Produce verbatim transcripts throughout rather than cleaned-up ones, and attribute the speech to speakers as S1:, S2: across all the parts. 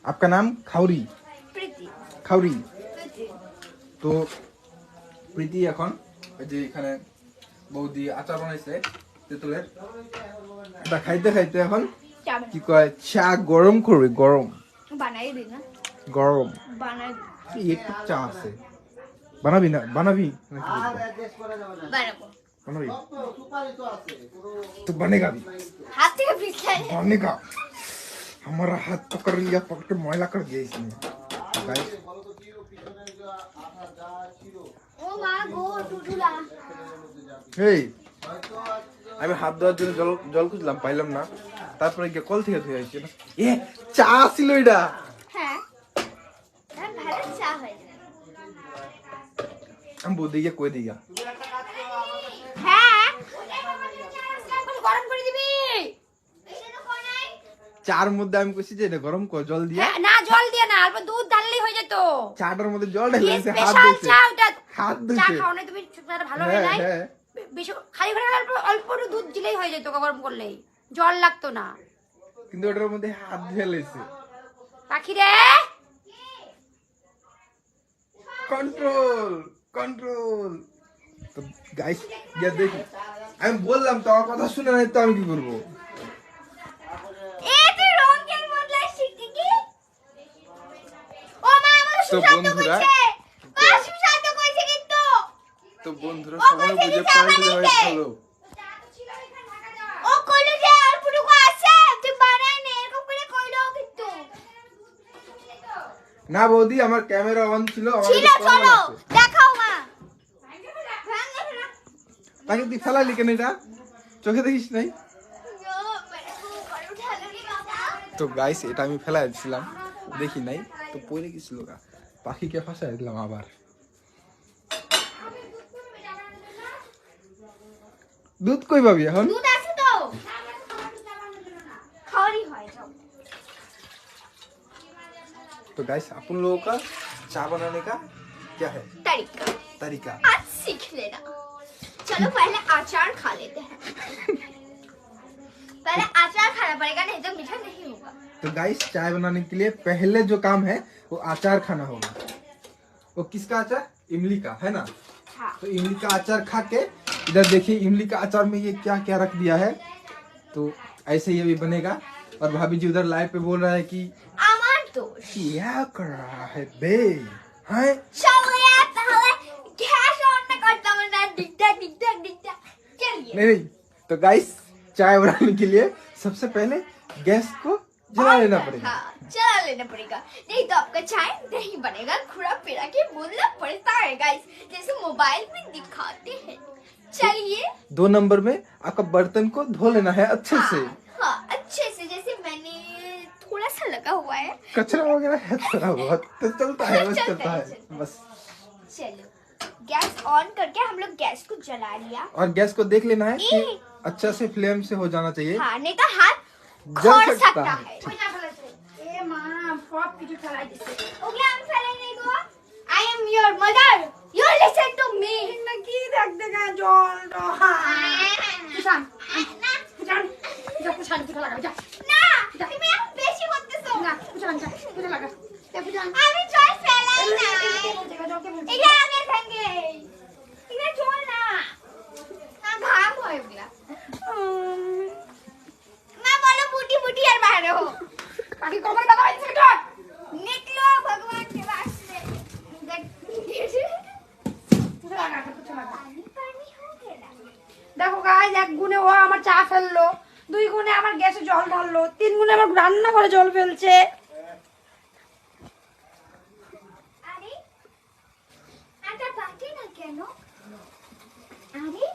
S1: आपका नाम खाउरी
S2: প্রীতি
S1: খাউরি
S2: প্রীতি
S1: তো প্রীতি এখন এই যে এখানে বৌদি আচার বানাইছে তেঁতুলের এটা খাইতে খাইতে এখন
S2: চা বানাই
S1: কি কয় চা গরম করবে গরম
S2: বানাই দিই না
S1: গরম
S2: বানাই
S1: এই একটু চা আছে বানাবি না বানাবি নাকি বলবো?
S2: বানাবো
S1: বানাবি तो बनेगा भी
S2: हाथ থেকে পিছলাই
S1: बनेगा हमारा हाथ पकड़ लिया पकड़ के मैला कर दिया इसने गाइस
S2: ও মা গো টুটুলা
S1: এই আমি হাত ধোয়ার জন্য জল জল খুঁজলাম পাইলাম না তারপরে গিয়ে কল থেকে ধুয়ে আসছি না এ চা ছিল এটা
S2: হ্যাঁ হ্যাঁ ভালো চা হয়
S1: আমি বৌদি গিয়ে কই দিয়া
S2: হ্যাঁ গরম করে দিবি
S1: চার মধ্যে আমি কইছি যে এটা গরম কর জল দিয়া
S2: হ্যাঁ না জল দিয়ে না অল্প দুধ ঢাললেই হয়ে যেত
S1: চাটার মধ্যে জল ঢেলে দিয়েছে হাত
S2: স্পেশাল
S1: ধুইছে
S2: চা ওটা
S1: হাত
S2: চা
S1: ধুইছে
S2: খাও না তুমি ভালো হয়
S1: হ্যাঁ
S2: নাই
S1: হ্যাঁ
S2: বেশি খালি করে অল্প অল্প একটু দুধ দিলেই হয়ে যেত গরম করলেই জল লাগতো না
S1: কিন্তু ওটার মধ্যে হাত ধুয়ে লেছে
S2: পাখি রে
S1: কন্ট্রোল কন্ট্রোল তো গাইস গিয়ে দেখি আমি বললাম তো আমার কথা শুনে নাই তো আমি কি করবো
S2: এ তুই রঙের বদলা শিখতি কি ও মা আমার
S1: তো
S2: সুশান্ত
S1: বন্ধুরা
S2: কইছে মা সুশান্ত কইছে কিন্তু
S1: তো বন্ধুরা
S2: ও
S1: সময়
S2: বলছে
S1: বুঝে
S2: কি চা
S1: পাল্টে দেওয়া
S2: বানাইতে?
S1: হলো
S2: ও কইলো যে অল্পটুকু আছে তুই বানাই নে এরকম করে কইলো কিন্তু
S1: না বৌদি আমার ক্যামেরা অন ছিল আমার
S2: ছিল
S1: কাছে প্রমাণ
S2: চলো
S1: আছে।
S2: দেখাও মা
S1: তাকে তুই ফেলালি কেন এটা চোখে দেখিস নাই তো গাইস এটা আমি ফেলাই দিছিলাম দেখি নাই তো পড়ে গেছিল গা পাখিকে ফাঁসাই দিলাম আবার दूध कोई पाबी এখন
S2: दूध আছে তো খাওয়ারই হয় সব
S1: तो गाइस अपन लोगों का चाय बनाने का क्या है
S2: तरीका
S1: तरीका
S2: आज सीख लेना चलो पहले अचार खा लेते हैं पहले अचार खाना पड़ेगा नहीं तो मीठा नहीं होगा
S1: तो गाइस चाय बनाने के लिए पहले जो काम है वो अचार खाना होगा वो किसका अचार इमली का है ना
S2: हाँ
S1: तो इमली का अचार खा के इधर देखिए इमली का अचार में ये क्या क्या रख दिया है तो ऐसे ही अभी बनेगा और भाभी जी उधर लाइव पे बोल रहा है कि
S2: আমার দোষ
S1: क्या कर रहा है बे हैं
S2: চলো यार তাহলে গ্যাস অন না করতাম না ডিগটা ডিগটা ডিগটা चलिए
S1: नहीं नहीं तो गाइस चाय बनाने के लिए सबसे पहले गैस को जला लेना पड़ेगा
S2: हाँ चला लेना पड़ेगा नहीं तो आपका चाय नहीं बनेगा खुरा पेड़ा के बोलना पड़ता है गाइस जैसे मोबाइल में दिखाते हैं चलिए
S1: दो नंबर में आपका बर्तन को धो लेना है अच्छे से
S2: हाँ, हाँ अच्छे से जैसे मैंने थोड़ा सा लगा हुआ है
S1: कचरा वगैरह है थोड़ा बहुत तो चलता है बस
S2: चलता
S1: चलता
S2: है,
S1: है
S2: चलता
S1: बस
S2: चलो गैस ऑन करके हम लोग गैस को जला लिया
S1: और गैस को देख लेना है कि
S2: ए।
S1: अच्छा से फ्लेम से हो जाना चाहिए
S2: हाँ नहीं तो हाथ
S1: जल
S2: खड़
S1: सकता
S2: सकता
S1: है।
S2: है ए माँ सব কিছু ফেলাই দিছে ওকে আমি ফেলাই নাই গো I am your mother you listen to me না কি দেখ দেখা জল কুসান না কুসান যা কুসান কুসান লাগা যা না তুমি এখন বেশি করতেছো না কুসান যা কুসান লাগা আমি জল ফেলাই না এটা আগে সঙ্গে এটা জল না ঘাম হয়ে গেল মা বলো বুটি বুটি আর বাইরে हो काकी कमर का दवाई से डॉट निकलो भगवान के वास्ते
S3: দেখো গাইস এক গুণে ও আমার চা ফেললো দুই গুণে আমার গ্যাসে জল ঢাললো তিন গুণে আমার রান্না করে জল ফেলছে
S2: আরে আটা বাটে না কেন আরে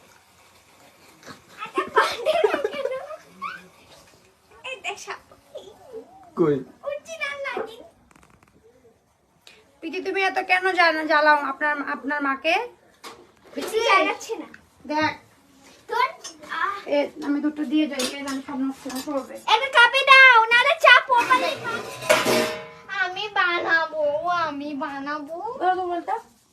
S2: আটা বাটে না কেন এই দেখ
S1: कोई
S2: উঠছি না নাকি
S3: পিটি তুমি এত কেন জানো জ্বালাও আপনার আপনার মাকে
S2: কিছু জানাচ্ছে না
S3: দেখ
S2: তোর আহ
S3: এ আমি দুটো দিয়ে যাই এই আমি সব নষ্ট করবে
S2: একটা কাপে দাও নালে চা পড়বে আমি বানাবো আমি বানাবো
S3: বলো বলতো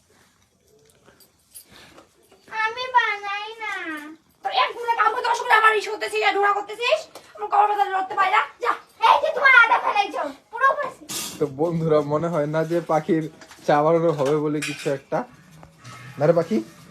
S2: আমি বানাই না
S3: তোর এক গুণে কাম করতে অসুবিধা আমার ইস্যু হতেছিস আর ঢোড়া করতেছিস আমার কবর ব্যথা ধরতে পারি না যা
S2: এই যে তোমার আদা ফেলাইছো পুরো
S1: তো বন্ধুরা মনে হয় না যে পাখির চা বানানো হবে বলে কিছু একটা, না রে পাখি?